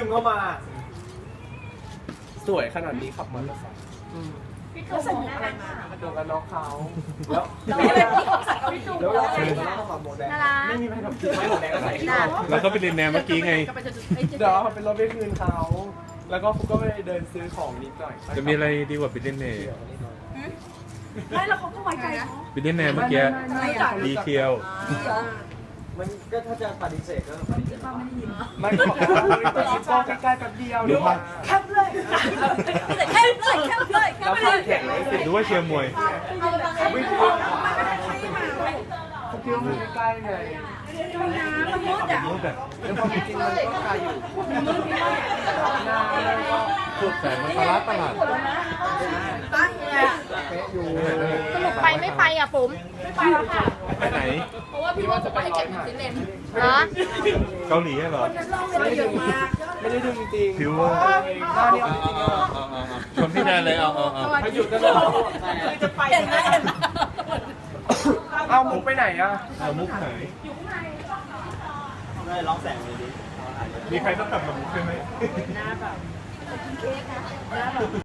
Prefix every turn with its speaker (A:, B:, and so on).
A: เข้ามาสวยขนาดนี้ขับมอเตอร์ไซค์
B: พี่ตูนส่งอะไรมา
A: โดนกันน็อกเขาแล้ว
B: พี่ของสัตว์กับพี่ตูน
A: แล้วเราใส่ข้าวหมูแดงไม่มีใครทำกินไม่หมูแดงก็ใส่
C: แล้วก็ไปเรียนแนวเมื่อกี้ไง
A: เดี๋ยวเอาเป็นรถไปคืนเขาแล้วก็ฟุกก็ไปเดินซื้อของนิดหน่อย
C: จะมีอะไรดีกว่าไปเรียนแนว
B: ไม่แล้วเขาก็ไว้ใจเนาะ
C: ไปเรียนแนวเมื่อกี้ดีเคียว
A: มันก็ถ้าจะปฏิเสธก็ปฏิเสธไม่ก็บอกว่าไปชิปโป้ใกล้ๆแป๊บเดียวหรือว่า
B: แคบเลยแคบเลยแคบเลยแค
A: แล้ว
B: บ
A: พั
B: เล
A: ก
B: ย
A: แข่งเลย
C: หรือว่าเชียร์มวย
A: ไม่ถูกเขาคิดว่ามันใกล้ๆไง
B: มันมืดอ่ะ
C: รู้แบบ
A: แล้วพอจริงๆมันก็ไกลอยู่นานแล้วก็
C: สุดแสงมันตลาด
B: ตั้งเลยอ่ะ
A: เป๊ะอยู่
D: สรุปไปไม่ไปอ่ะปุ๋ม
B: ไม่ไปแล้วค่ะ
C: ไปไหน
B: เพราะว่าพี่ว่าจะไปให้เก็บซิเลน
D: เหรอ
C: เกาหลีเหรอ
B: ไม่ได้ดึงมาก
A: ไม่ได้ดึงจริง
C: ผิวว่า
A: หน้าเนี่ยจริงๆอ่ะ
C: ชวนพี่แนนเลยเอา
A: ถ้าหยุดก็เลย
B: คือจะไปเห็นไหมเห็นไหม
A: เอามุกไปไหนอ่ะ
C: เอามุกไหน
A: เลยร้องแสงเลยดิ
C: มีใครต้องกลับมามุกใช่ไหม
B: หน้าแบบ